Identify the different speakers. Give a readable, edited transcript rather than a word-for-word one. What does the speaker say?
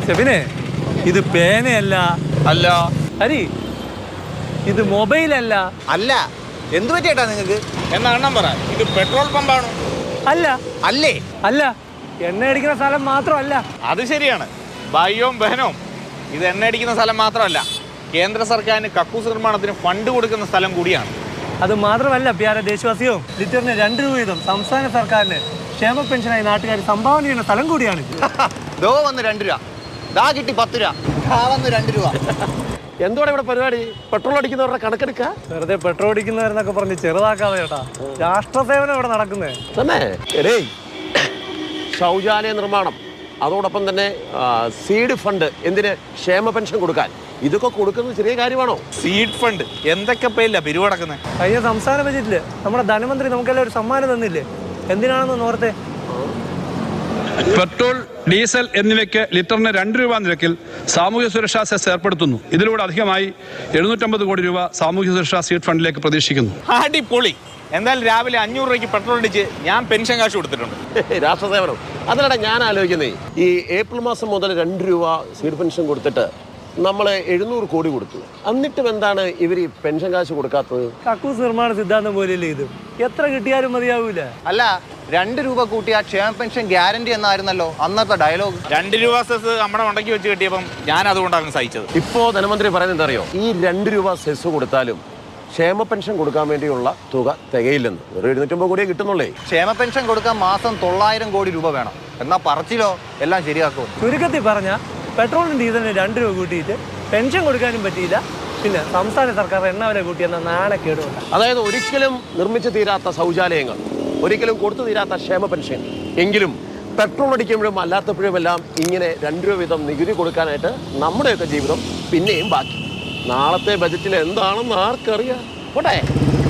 Speaker 1: ഷെഫിനെ ഇത് പേനയല്ല.
Speaker 2: അല്ല.
Speaker 1: ഹരി ഇത് മൊബൈലല്ല.
Speaker 2: അല്ല. എന്തു പറ്റിയേട്ടാ നിങ്ങൾക്ക്? എന്നാ എണ്ണം പറ. ഇത് പെട്രോൾ പമ്പാണോ?
Speaker 1: അല്ല.
Speaker 2: അല്ലേ?
Speaker 1: അല്ല. എണ്ണ അടിക്കുന്ന സ്ഥലം മാത്രമല്ല.
Speaker 2: അത് ശരിയാണ്. ഭായിയും ബഹനവും ഇത് എണ്ണ അടിക്കുന്ന സ്ഥലം മാത്രമല്ല, കേന്ദ്ര സർക്കാരിന് കക്കൂസ് നിർമ്മാണത്തിന് ഫണ്ട് കൊടുക്കുന്ന സ്ഥലം കൂടിയാണ്.
Speaker 1: അത് മാത്രമല്ല പ്യാര ദേശവാസിയും, ലിറ്ററിന് 2 രൂപ വീതം സംസ്ഥാന സർക്കാരിന് ക്ഷേമ പെൻഷനായി നാട്ടുകാർ സംഭാവന ചെയ്യുന്ന സ്ഥലം കൂടിയാണ്.
Speaker 2: ദോ വന്ന് 2 രൂപ, ദാ കിട്ടി 10 രൂപ, ദാ വന്ന് 2 രൂപ.
Speaker 3: എന്തുവാണ് ഇവിടെ പരിപാടി? പെട്രോൾ അടിക്കുന്നവരുടെ കണക്കെടുക്കുക?
Speaker 1: വെറുതെ പെട്രോൾ അടിക്കുന്നവരെന്നൊക്കെ പറഞ്ഞ് ചെറുതാക്കാതെ ചേട്ടാ. രാഷ്ട്രസേവനം ഇവിടെ നടക്കുന്നേ
Speaker 3: തന്നെ. എടേ, ശൗചാലയ നിർമ്മാണം, അതോടൊപ്പം തന്നെ സീഡ് ഫണ്ട്, എന്തിന്? ക്ഷേമ പെൻഷൻ കൊടുക്കാൻ. ഇതൊക്കെ കൊടുക്കുന്നത് ചെറിയ കാര്യമാണോ?
Speaker 2: സീഡ് ഫണ്ട് എന്തൊക്കെ പേരില്ല പിരിവടക്കുന്നത്?
Speaker 1: കഴിഞ്ഞ സംസ്ഥാന ബജറ്റില് നമ്മുടെ ധനമന്ത്രി നമുക്കെല്ലാം ഒരു സമ്മാനം തന്നില്ലേ? എന്തിനാണെന്ന് ഓർത്തെ?
Speaker 4: പെട്രോൾ, ഡീസൽ എന്നിവയ്ക്ക് ലിറ്ററിന് 2 രൂപ നിരക്കിൽ സാമൂഹ്യ സുരക്ഷാ സെസ് ഏർപ്പെടുത്തുന്നു. ഇതിലൂടെ അധികമായി 750 കോടി രൂപ സാമൂഹ്യ സുരക്ഷാ സീഡ് ഫണ്ടിലേക്ക് പ്രതീക്ഷിക്കുന്നു.
Speaker 2: അടിപൊളി. എന്തായാലും രാവിലെ 500 രൂപയ്ക്ക് പെട്രോൾ അടിച്ച് ഞാൻ പെൻഷൻ കാശ് കൊടുത്തിട്ടുണ്ട്.
Speaker 3: രാഷ്ട്രസേവനം. അതിലൂടെ ഞാൻ ആലോചിക്കുന്നേ, ഈ ഏപ്രിൽ മാസം മുതൽ 2 രൂപ സീഡ് പെൻഷൻ കൊടുത്തിട്ട് നമ്മൾ 700 കോടി കൊടുത്തു. എന്നിട്ടും എന്താണ് ഇവർ ഈ പെൻഷൻ കാശ് കൊടുക്കാത്തത്?
Speaker 1: കക്കൂസ് നിർമ്മാണ സിദ്ധാന്തം പോലെയല്ലേ ഇത്? എത്ര കിട്ടിയാലും മതിയാവൂല.
Speaker 5: അല്ല, 2 രൂപ കൂട്ടിയ ക്ഷേമ പെൻഷൻ ഗ്യാരണ്ടി എന്നായിരുന്നല്ലോ അന്നത്തെ ഡയലോഗ്.
Speaker 2: 2 രൂപ സെസ് നമ്മുടെ ഉണ്ടക്കി വെച്ച് കിട്ടിയപ്പം ഞാൻ അതുകൊണ്ടാണ് സഹിച്ചത്.
Speaker 3: ഇപ്പോ ധനമന്ത്രി പറയുന്നത് എന്താ അറിയോ? ഈ 2 രൂപ സെസ് കൊടുത്താലും ക്ഷേമ പെൻഷൻ കൊടുക്കാൻ വേണ്ടിയുള്ള തുക തികയില്ലെന്ന്. ഒരു 750 കോടിയെ കിട്ടുന്നുള്ളേ.
Speaker 5: ക്ഷേമ പെൻഷൻ കൊടുക്കാൻ മാസം 900 കോടി രൂപ വേണം. എന്നാ പറച്ചിലോ എല്ലാം ശരിയാക്കും.
Speaker 1: ചുരുക്കത്തിൽ പറഞ്ഞ പെട്രോളിനും ഡീസലിന് 2 രൂപ കൂട്ടിയിട്ട് പെൻഷൻ കൊടുക്കാനും പറ്റിയില്ല. പിന്നെ സംസ്ഥാന സർക്കാർ എണ്ണ വില കൂട്ടിയെന്ന നാണക്കേടുണ്ട്.
Speaker 3: അതായത് ഒരിക്കലും നിർമ്മിച്ചു തീരാത്ത ശൗചാലയങ്ങൾ, ഒരിക്കലും കൊടുത്തു തീരാത്ത ക്ഷേമ പെൻഷൻ. എങ്കിലും പെട്രോൾ അടിക്കുമ്പോഴും അല്ലാത്തപ്പോഴും എല്ലാം ഇങ്ങനെ 2 രൂപ വീതം നികുതി കൊടുക്കാനായിട്ട് നമ്മുടെയൊക്കെ ജീവിതം പിന്നെയും ബാക്കി. നാളത്തെ ബജറ്റിൽ എന്താണെന്ന് ആർക്കറിയാം? പോട്ടെ.